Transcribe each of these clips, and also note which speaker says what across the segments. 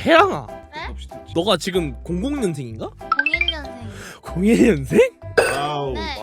Speaker 1: 혜랑아,
Speaker 2: 네?
Speaker 1: 너가 지금 00년생인가?
Speaker 2: 01년생.
Speaker 1: 01년생?
Speaker 3: 와우.
Speaker 2: 네.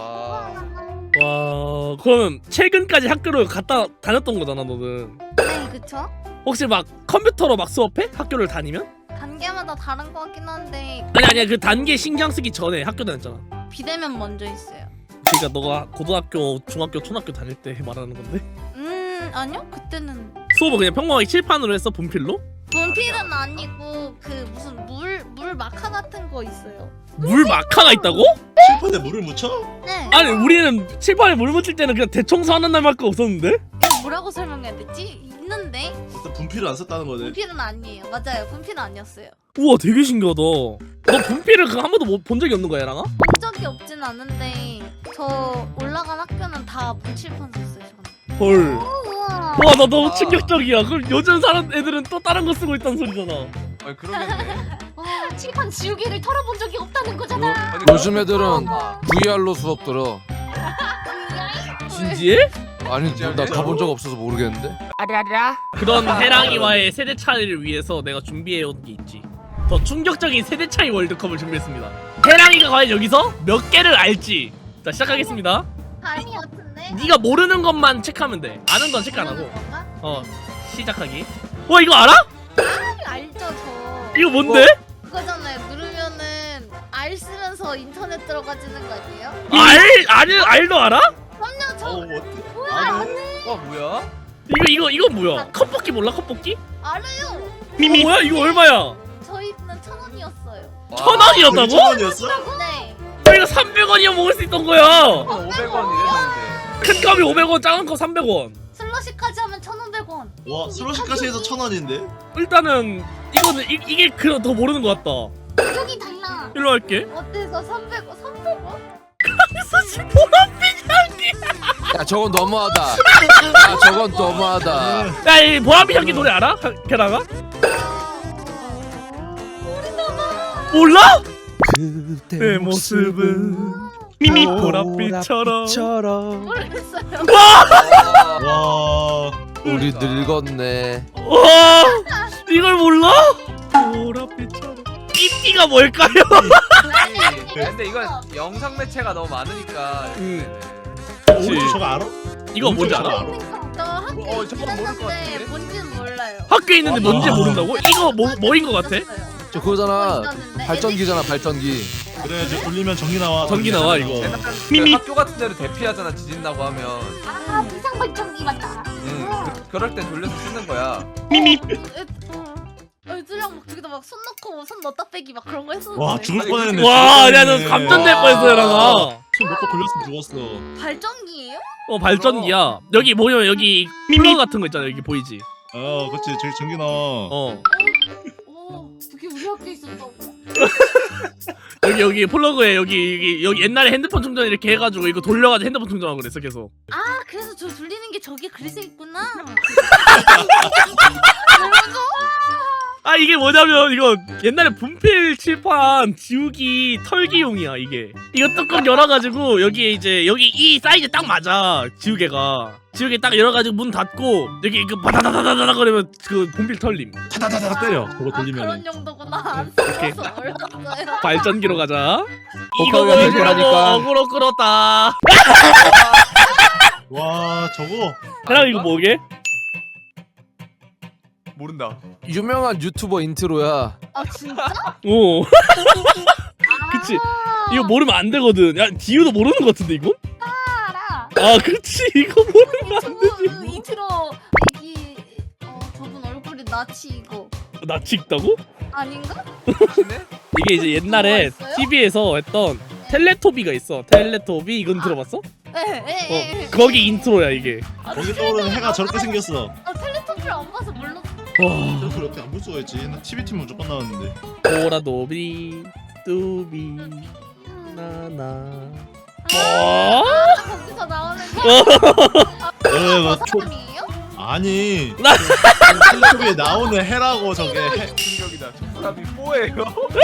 Speaker 1: 와, 그러면 최근까지 학교를 갔다 다녔던 거잖아, 너는.
Speaker 2: 네, 그쵸?
Speaker 1: 혹시 막 컴퓨터로 막 수업해? 학교를 다니면?
Speaker 2: 단계마다 다른 것 같긴 한데
Speaker 1: 아니야, 그 단계 신경 쓰기 전에 학교 다녔잖아.
Speaker 2: 비대면 먼저 있어요.
Speaker 1: 그러니까 너가 고등학교, 중학교, 초등학교 다닐 때 말하는 건데?
Speaker 2: 아니요? 그때는
Speaker 1: 수업을 그냥 평범하게 칠판으로 했어, 분필로?
Speaker 2: 분필은 아니고 그 무슨 물 마카 같은 거 있어요.
Speaker 1: 물 마카가 있다고?
Speaker 3: 칠판에 물을 묻혀?
Speaker 2: 네.
Speaker 1: 아니, 우리는 칠판에 물 묻힐 때는 그냥 대청소하는 날밖에 없었는데?
Speaker 2: 이거 뭐라고 설명해야 되지? 있는데
Speaker 3: 일단 분필을 안 썼다는 거네.
Speaker 2: 분필은 아니에요. 맞아요. 분필은 아니었어요.
Speaker 1: 우와, 되게 신기하다. 너 분필을 한 번도 본 적이 없는 거야, 얘랑아?
Speaker 2: 본 적이 없진 않은데 저 올라간 학교는 다 문칠판 썼어요. 저는.
Speaker 1: 헐.
Speaker 2: 우와.
Speaker 1: 와, 나 너무 충격적이야. 그럼 요즘 사람 애들은 또 다른 거 쓰고 있다는 소리잖아.
Speaker 4: 아니 그러겠네.
Speaker 2: 와, 칠판 지우개를 털어본 적이 없다는 거잖아.
Speaker 4: 아니,
Speaker 5: 요즘 애들은 VR로 수업 들어.
Speaker 1: 진지해?
Speaker 5: 아니 나 가본 적 없어서 모르겠는데.
Speaker 1: 그런 해랑이와의 세대 차이를 위해서 내가 준비해온 게 있지. 더 충격적인 세대 차이 월드컵을 준비했습니다. 해랑이가 과연 여기서 몇 개를 알지? 자, 시작하겠습니다.
Speaker 2: 다리 같은데?
Speaker 1: 네가 모르는 것만 체크하면 돼. 아는 건 체크 안 하고.
Speaker 2: 모르는 건가?
Speaker 1: 시작하기. 와, 이거 알아?
Speaker 2: 알죠 저.
Speaker 1: 이거 뭔데?
Speaker 2: 그거잖아요. 누르면은 알 쓰면서 인터넷 들어가지는 거 아니에요?
Speaker 1: 알도 알아?
Speaker 2: 그럼요 저
Speaker 3: 어때?
Speaker 2: 뭐야
Speaker 3: 아네.
Speaker 2: 아네.
Speaker 4: 와 뭐야?
Speaker 1: 이거 뭐야? 컵볶이 몰라? 컵볶이?
Speaker 2: 알아요.
Speaker 1: 뭐야? 이거 얼마야?
Speaker 2: 저희는 1,000원이었어요.
Speaker 1: 1,000원이었다고?
Speaker 3: 1,000원이었어?
Speaker 2: 네.
Speaker 1: 이거 300원이면 먹을 수 있던 거야.
Speaker 4: 500원 이랬는데.
Speaker 1: 큰 컵이 500원, 작은 컵 300원.
Speaker 2: 슬러시까지 하면 1,500원.
Speaker 3: 와 슬러시까지 해서 1,000원인데?
Speaker 1: 일단은 이거는 이게 더 모르는 것 같다.
Speaker 2: 가격이 달라.
Speaker 1: 일로 할게.
Speaker 2: 어때서 300원? 300원?
Speaker 5: 야 저건 너무하다. 야 저건 너무하다.
Speaker 1: 야, 이 보람이 향기 노래 알아? 걔랑아? 몰라? 내 모습은 미미 보랏빛처럼.
Speaker 2: 모르겠어요.
Speaker 3: 와.
Speaker 5: 우리 늙었네.
Speaker 1: 와, 이걸 몰라? 보랏빛처럼. 삐삐가 뭘까요?
Speaker 4: 근데 이건 영상 매체가 너무 많으니까.
Speaker 1: 그치.
Speaker 3: 오른쪽 저거 알아?
Speaker 1: 이거 뭔지 알아?
Speaker 2: 저 학교에
Speaker 4: 저건 모를 것
Speaker 2: 있었는데
Speaker 4: 같은데?
Speaker 2: 뭔지는 몰라요.
Speaker 1: 학교에 있는데 뭔지 모른다고? 이거 뭐인 것 같아?
Speaker 5: 저 그거잖아. 발전기잖아 발전기.
Speaker 3: 그래 이제 돌리면 전기 나와.
Speaker 1: 전기 나와 이거.
Speaker 4: 미미. 학교 같은 데로 대피하잖아 지진 나고 하면.
Speaker 2: 아 비상 발전기 맞다.
Speaker 4: 그럴 땐 돌려서 쓰는 거야.
Speaker 1: 미미.
Speaker 2: 애들이랑 막 저기다 막 손 넣고 손 넣었다 빼기 막 그런 거 했었는데.
Speaker 3: 와 죽을
Speaker 4: 아니,
Speaker 3: 뻔했네.
Speaker 1: 와,
Speaker 3: 죽을
Speaker 1: 야, 너
Speaker 3: 뻔했네.
Speaker 1: 감전될 뻔했어, 얘랑아.
Speaker 3: 손 놓고 돌렸으면 죽었어.
Speaker 2: 발전기예요?
Speaker 1: 발전기야. 여기 보면 여기 미미 같은 거 있잖아. 여기 보이지?
Speaker 3: 그치 저기 전기 나와.
Speaker 1: 어.
Speaker 2: 오, 그게 우리 학교에 있었다고?
Speaker 1: 여기 플러그에 여기 옛날에 핸드폰 충전 이렇게 해가지고 이거 돌려가지고 핸드폰 충전하고 그랬어 계속.
Speaker 2: 아 그래서 저 돌리는 게 저기에 그려져 있구나.
Speaker 1: 아, 이게 뭐냐면 이거 옛날에 분필 칠판 지우기 털기용이야 이게. 이거 뚜껑 열어가지고 여기에 이제 여기 이 사이즈 딱 맞아. 지우개 딱 열어가지고 문 닫고 여기 이거 바다다다다다 거리면 그 분필 털림.
Speaker 3: 타다다다 때려. 그거
Speaker 2: 아
Speaker 3: 돌리면.
Speaker 2: 그런 용도구나. 안
Speaker 1: 오케이.
Speaker 2: 써서 몰랐어요.
Speaker 1: 발전기로 가자. 이거
Speaker 5: 복합이
Speaker 1: 보여주려고
Speaker 5: 대결하니까.
Speaker 1: 어그로 끌었다.
Speaker 3: 와 저거.
Speaker 1: 그럼 이거 뭐게?
Speaker 4: 모른다.
Speaker 5: 유명한 유튜버 인트로야.
Speaker 2: 아 진짜?
Speaker 1: 오. 그치. 이거 모르면 안 되거든. 야, 디유도 모르는 것 같은데 이거?
Speaker 2: 알아.
Speaker 1: 아, 그치. 이거 모르면 안 되지.
Speaker 2: 저분 인트로 이 저분 얼굴이 나치 이거
Speaker 1: 낯이 익다고?
Speaker 2: 아닌가?
Speaker 4: 맞네?
Speaker 1: 이게 이제 옛날에
Speaker 2: 그거 있어요?
Speaker 1: TV에서 했던 텔레토비가 있어. 텔레토비 이건 들어봤어?
Speaker 2: 네.
Speaker 1: 거기 인트로야 이게.
Speaker 3: 거기 떠오르는 해가 저렇게 생겼어.
Speaker 2: 텔레토피를 안 봐서 몰랐어.
Speaker 1: 와.
Speaker 3: 저걸 어떻게 안 볼 수가 있지? 나 TV 팀 무조건 나왔는데.
Speaker 1: 보라도비 뚜비 나나.
Speaker 2: 거기서 나오는 게
Speaker 3: 저
Speaker 2: 사람이에요?
Speaker 3: 아니.
Speaker 1: 나-
Speaker 3: TV에 나오는 해라고 저게.
Speaker 4: 충격이다. 저 사람이 뭐예요?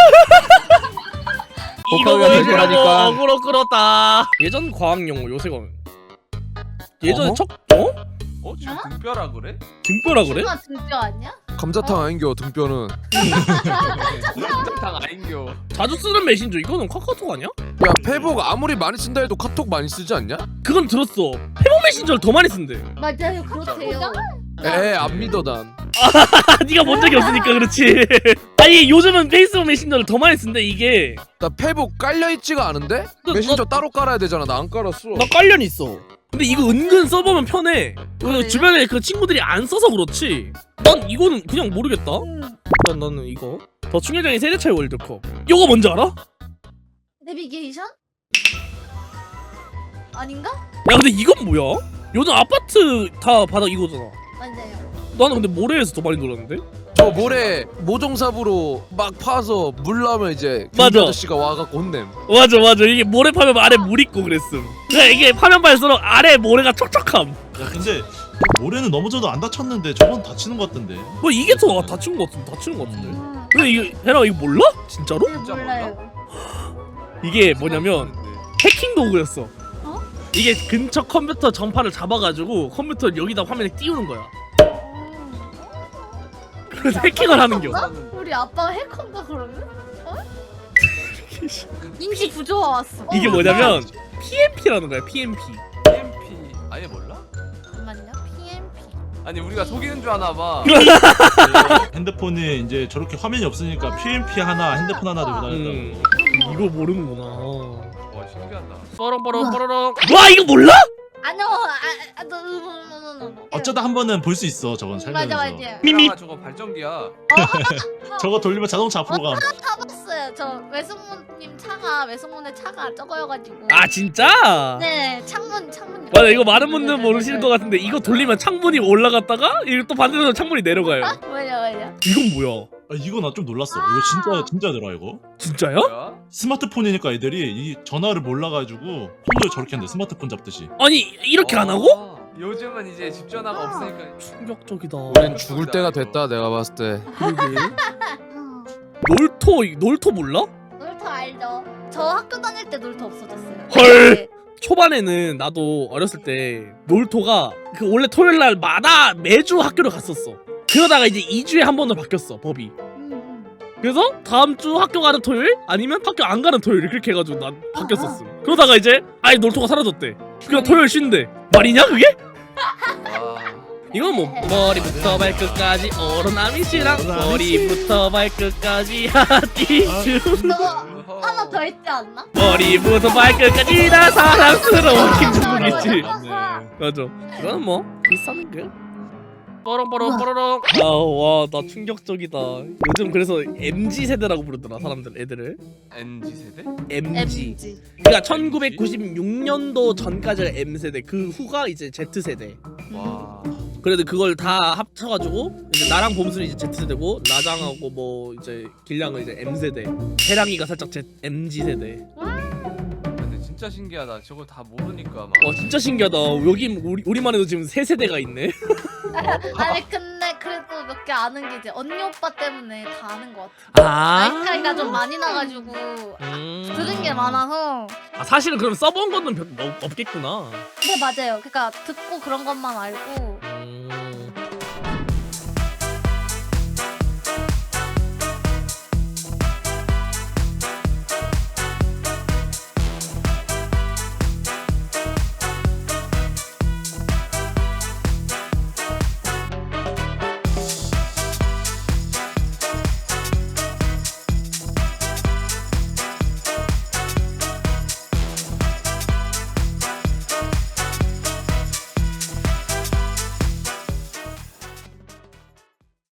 Speaker 1: 이거
Speaker 5: 복합이
Speaker 1: 보여주려고
Speaker 5: 대결하니까.
Speaker 1: 어그로 끌었다. 예전 과학 용어 요새 거. 예전에
Speaker 5: 어허?
Speaker 1: 척
Speaker 4: 지금 등뼈라 그래?
Speaker 1: 등뼈라 그래?
Speaker 2: 누가 등뼈 아니야?
Speaker 5: 감자탕 아닌겨 등뼈는.
Speaker 4: 탕 아인교.
Speaker 1: 자주 쓰는 메신저 이거는 카카오톡 아니야?
Speaker 5: 야 페북 아무리 많이 쓴다 해도 카톡 많이 쓰지 않냐?
Speaker 1: 그건 들었어. 페북 메신저를 더 많이 쓴대.
Speaker 2: 맞아요, 그렇대요.
Speaker 5: 안 믿어 난.
Speaker 1: 네가 본 적이 없으니까 그렇지. 아니 요즘은 페이스북 메신저를 더 많이 쓴대 이게.
Speaker 5: 나 페북 깔려있지가 않은데? 메신저 따로 깔아야 되잖아. 나 안 깔았어.
Speaker 1: 나 깔련 있어. 근데 이거 은근 써보면 편해.
Speaker 2: 그래요?
Speaker 1: 주변에 그 친구들이 안 써서 그렇지. 난 이거는 그냥 모르겠다. 일단 나는 이거 더 충격적인 세대 차이 월드컵. 이거 뭔지 알아?
Speaker 2: 내비게이션? 아닌가?
Speaker 1: 야 근데 이건 뭐야? 요즘 아파트 다 바닥 이거잖아.
Speaker 2: 맞아요.
Speaker 1: 나는 근데 모래에서 더 많이 놀았는데?
Speaker 5: 저 모래 모종삽으로 막 파서 물 나면 이제
Speaker 1: 맞아.
Speaker 5: 경비 아저씨가 와갖고 혼냄.
Speaker 1: 맞아 이게 모래 파면 아래 물 있고 그랬음. 그러니까 이게 파면 팔수록 아래 모래가 촉촉함.
Speaker 3: 야 근데 모래는 넘어져도 안 다쳤는데 저건 다치는 것 같던데.
Speaker 1: 뭐 이게 더 다치는 것 같은데. 근데 이거 해라 이거 몰라? 진짜로?
Speaker 2: 네,
Speaker 4: 진짜
Speaker 2: 몰라요.
Speaker 1: 이게 뭐냐면 해킹 도구였어.
Speaker 2: 어?
Speaker 1: 이게 근처 컴퓨터 전파를 잡아가지고 컴퓨터 여기다 화면에 띄우는 거야. 그래서 해킹을 하는겨.
Speaker 2: 우리 아빠가 해커인가 그러면? 어? 인지 부조화 왔어.
Speaker 1: 이게 뭐냐면 PMP라는 거야. PMP.
Speaker 4: PMP 아예 몰라?
Speaker 2: 잠깐만요. PMP.
Speaker 4: 아니 우리가 속이는 줄 아나 봐.
Speaker 3: 핸드폰이 이제 저렇게 화면이 없으니까 PMP 하나 핸드폰 하나 들고 다녔다고.
Speaker 1: 이거 모르는구나.
Speaker 4: 와 신기하다.
Speaker 1: 뻐렁뻐렁. 와 이거 몰라?
Speaker 2: 아니요.
Speaker 3: 어쩌다 한 번은 볼 수 있어 저건 살면서.
Speaker 2: 맞아.
Speaker 1: 미미.
Speaker 4: 아, 저거 발전기야.
Speaker 3: 저거 돌리면 자동차 앞으로 가.
Speaker 2: 타봤어요. 저 외숙모님 차가 외숙모네 차가 저거여가지고.
Speaker 1: 아 진짜?
Speaker 2: 네, 창문.
Speaker 1: 맞아 이거 많은 분들 모르시는 것 같은데 이거 돌리면 창문이 올라갔다가 이거 또 반대로 창문이 내려가요.
Speaker 2: 맞아.
Speaker 1: 이건 뭐야?
Speaker 3: 아, 이거 나 좀 놀랐어. 이거 진짜더라 이거.
Speaker 1: 진짜요?
Speaker 4: 뭐야?
Speaker 3: 스마트폰이니까 애들이 이 전화를 몰라가지고 손도 저렇게 한대. 스마트폰 잡듯이.
Speaker 1: 아니 이렇게 안 하고?
Speaker 4: 요즘은 이제 집 전화가 없으니까.
Speaker 1: 충격적이다.
Speaker 5: 우린 죽을 때가 됐다 내가 봤을 때.
Speaker 1: 그러게. 놀토 몰라?
Speaker 2: 놀토 알죠? 저 학교 다닐 때 놀토 없어졌어요.
Speaker 1: 헐.
Speaker 2: 네.
Speaker 1: 초반에는 나도 어렸을 때 놀토가 그 원래 토요일 날마다 매주 학교를 갔었어. 그러다가 이제 2주에 한 번으로 바뀌었어 법이. 그래서 다음 주 학교 가는 토요일 아니면 학교 안 가는 토요일 그렇게 해가지고 난 바뀌었었음. 그러다가 이제 아예 놀토가 사라졌대. 그냥 토요일 쉰대. 말이냐 그게?
Speaker 4: 와.
Speaker 1: 이건 뭐 머리부터 발끝까지 오로나미씨랑 머리부터 발끝까지 하티슈
Speaker 2: 저거 하나 더 있지 않나?
Speaker 1: 머리부터 발끝까지 다 사랑스러운 김종국이지.
Speaker 3: 맞네.
Speaker 1: 맞아. 이거는 뭐 비슷한 게. 뽀롱뽀롱뽀롱. 아와나 충격적이다. 요즘 그래서 MZ 세대라고 부르더라 사람들 애들을.
Speaker 4: NG 세대?
Speaker 1: MG. 그러니까 1996년도 전까지가 M 세대, 그 후가 이제 Z 세대.
Speaker 4: 와.
Speaker 1: 그래도 그걸 다 합쳐가지고 이제 나랑 봄순이 이제 Z 세대고 나장하고 뭐 이제 길량은 이제 M 세대. 해랑이가 살짝 MG 세대.
Speaker 4: 근데 진짜 신기하다. 저거 다 모르니까 막.
Speaker 1: 진짜 신기하다. 여기 우리만 해도 지금 세 세대가 있네.
Speaker 2: 아니 근데 그래도 몇 개 아는 게 이제 언니 오빠 때문에 다 아는 것 같아. 나이 차이가 좀 많이 나가지고 들은 게 많아서.
Speaker 1: 사실은 그럼 써본 거는 없겠구나.
Speaker 2: 네 맞아요. 그러니까 듣고 그런 것만 알고